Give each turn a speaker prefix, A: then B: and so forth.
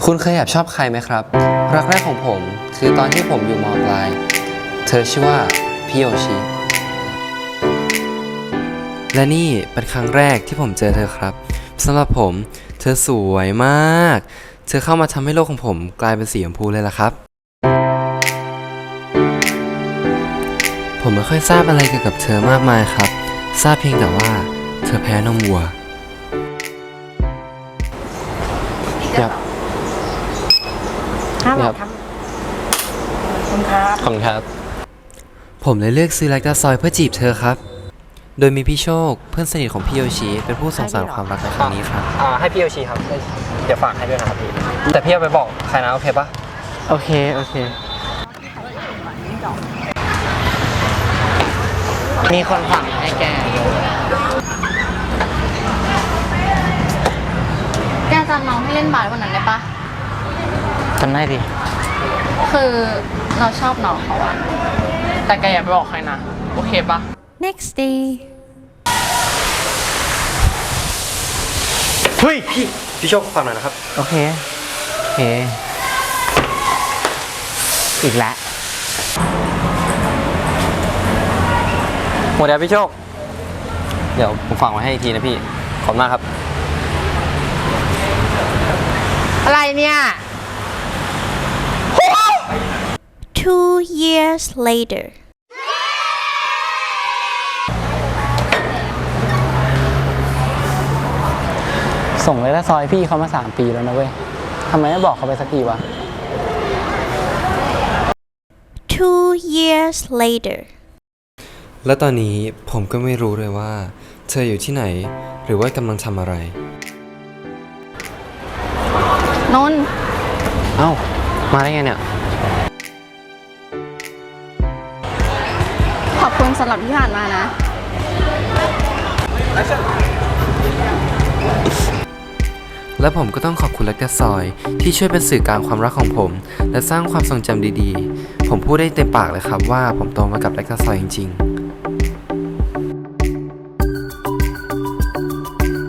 A: คุณเคยแอบชอบใครไหมครับรักแรกของผมคือตอนที่ผมอยู่ม.ปลายเธอชื่อว่าพี่โยชิและนี่เป็นครั้งแรกที่ผมเจอเธอครับสำหรับผมเธอสวยมากเธอเข้ามาทำให้โลกของผมกลายเป็นสีชมพูเลยล่ะครับผมไม่ค่อยทราบอะไรเกี่ยวกับเธอมากมายครับทราบเพียงแต่ว่าเธอแพ้นมวัวครับ
B: ครับขอบคุณครับ
A: ขอบคุณครับผมเลยเลือกซื้อแลคตาซอยเพื่อจีบเธอครับโดยมีพี่โชคเพื่อนสนิทของพี่โยชิเป็นผู้ส่งสานความรักในครั้งนี้ครับ
C: ให้พี่โยชิครับเดี๋ยวฝากให้ด้วยนะครับพี่แต่พี่เอาไปบอกใครนะโอเคปะ
B: โอเคมีคนฝากให้แก
D: แกจำน้องที่เล่นบาสวันนั้นได้ปะ
B: จำได้ดิ
D: คือเราชอบน้องเขาอะ
B: แต่แกอย่าไปบอกใครนะ โอเคปะ
D: next day
C: เฮ้ยพี่โชคฟังหน่อยนะครับ
B: โอเคอีกแล้ว
C: หมดแล้วพี่โชคเดี๋ยวผมฝากไว้ให้อีกทีนะพี่ขอบคุณมากครับ
B: อะไรเนี่ย
E: 2 years later
B: ส่งเลยละซอยพี่เขามา3 ปีแล้วนะเว้ยทำไมไม่บอกเขาไปสักทีวะ
E: 2 years later
A: และตอนนี้ผมก็ไม่รู้เลยว่าเธออยู่ที่ไหนหรือว่ากำลังทำอะไร
D: นนท์
C: เอ้ามาได้ไงเนี่ย
D: ขอบคุณสำหรับที่ผ่านมานะ
A: และผมก็ต้องขอบคุณแลคตาซอยที่ช่วยเป็นสื่อกลางความรักของผม และสร้างความทรงจำดีๆผมพูดได้เต็มปากเลยครับว่าผมโตมากับแลคตาซอยจริงๆ